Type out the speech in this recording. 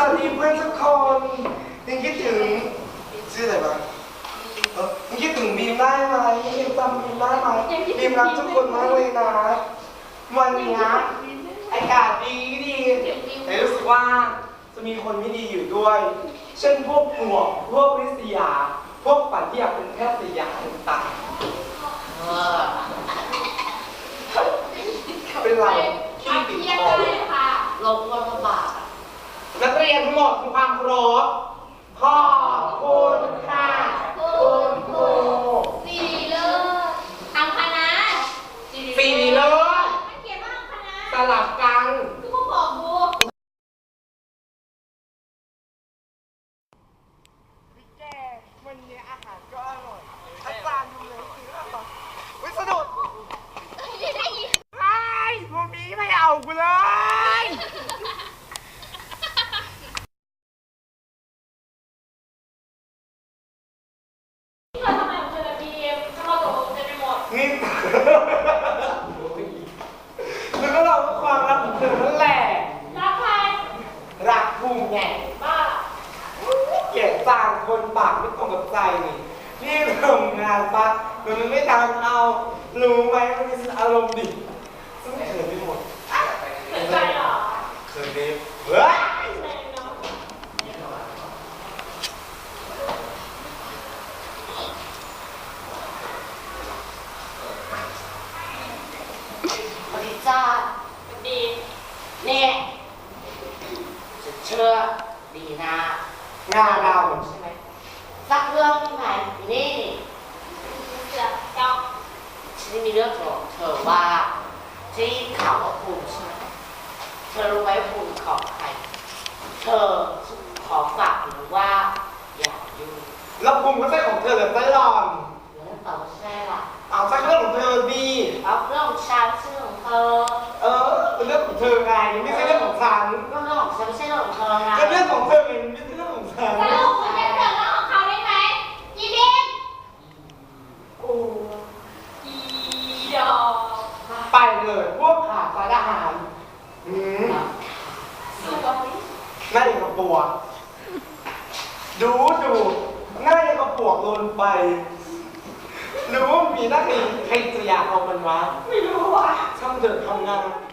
วัสดีเพื่อนทุกคนยังคิดถึงชื่ออะไรบ้างยังคิดถึงบีมได้ไหมยังจำบีมได้ไหมบีมรักทุกคนมากเลยนะวันนี้อากาศดีแต่รู้สึกว่าจะมีคนไม่ดีอยู่ด้วยเช่นพวกปลวกพวกริษยาพวกปัดที่อยากเป็นแค่สยามต่างเป็นไรที่ติดคอลงวันละบาทนักเรียนทั้งหมดมีความเคารพขอบคุณค่ะคุณครูสีเลิศทำคณะสีเลิศมันเขียนว่าทำคณะสลับกันคือพวกบอกกูพี่แกวันนี้อาหารก็อร่อยอาจารย์ทำเลยซื้ออร่อยวิสดุดไอ้พวกนี้ไม่เอากูเลยนี่แล้วก็เราก็ความรักของเธอนั่นแหละรักใครรักภูมิไงบ้าเกลียดจางคนปากไม่ตรงกับใจนี่ทำงานปะมันไม่ทำเอารู้ไหมมันมีอารมณ์ดิซึ่งเขินไปหมดเขินใจหรอเขินดิเฮ้ยจ้าดีเนี่ยเชื่อดีนะงานเราใช่ไหมสักเรื่องไหนนี่เสือจอกฉันมีเรื่องบอกเธอว่าที่เขาภูมิใช่ไหมเธอรู้ไหมภูมิของใครเธอขอฝากหรือว่าอย่ายุ่งแล้วภูมิก็ใช่ของเธอแบบตลอดแล้วต่อใช่ล่ะเอาสักเรื่องของเธอดีเอาเรื่องของฉันเรื่องของเธอเป็นเรื่องของเธอไงไม่ใช่เรื่องของฉันเรื่องของฉันไม่ใช่เรื่องของเธอไงก็เรื่องของเธอไงไม่ใช่เรื่องของฉันแต่เรื่องของคุณจะเกิดเรื่องของเขาได้ไหมยีบิมโอ้ยีดอกไปเลยพวกขาดสารอาหารสวยหน้าอย่างกับปวกดูหน้าอย่างกับปวกโดนไปรู้มีนักเรียนใครจะอยากเอามันวะไม่รู้ว่ะช่างเดินทำงาน